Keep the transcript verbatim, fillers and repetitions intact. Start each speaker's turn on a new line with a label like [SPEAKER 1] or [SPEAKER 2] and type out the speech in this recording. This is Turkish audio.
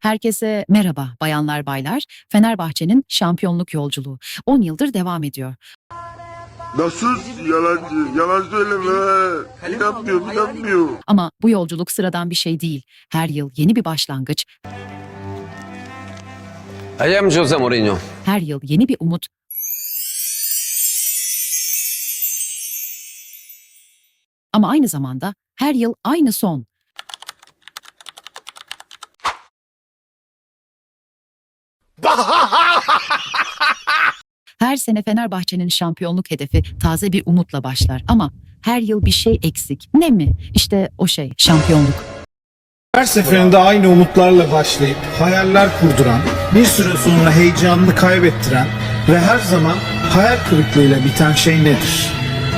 [SPEAKER 1] Herkese merhaba bayanlar baylar. Fenerbahçe'nin şampiyonluk yolculuğu on yıldır devam ediyor.
[SPEAKER 2] Nasıl yalancı? Yalan söyleme. İnanmıyor, inanmıyor.
[SPEAKER 1] Ama bu yolculuk sıradan bir şey değil. Her yıl yeni bir başlangıç,
[SPEAKER 3] I am Jose Mourinho.
[SPEAKER 1] her yıl yeni bir umut. Ama aynı zamanda her yıl aynı son. Her sene Fenerbahçe'nin şampiyonluk hedefi taze bir umutla başlar ama her yıl bir şey eksik. Ne mi? İşte o şey, şampiyonluk.
[SPEAKER 4] Her seferinde aynı umutlarla başlayıp hayaller kurduran, bir süre sonra heyecanını kaybettiren ve her zaman hayal kırıklığıyla biten şey nedir?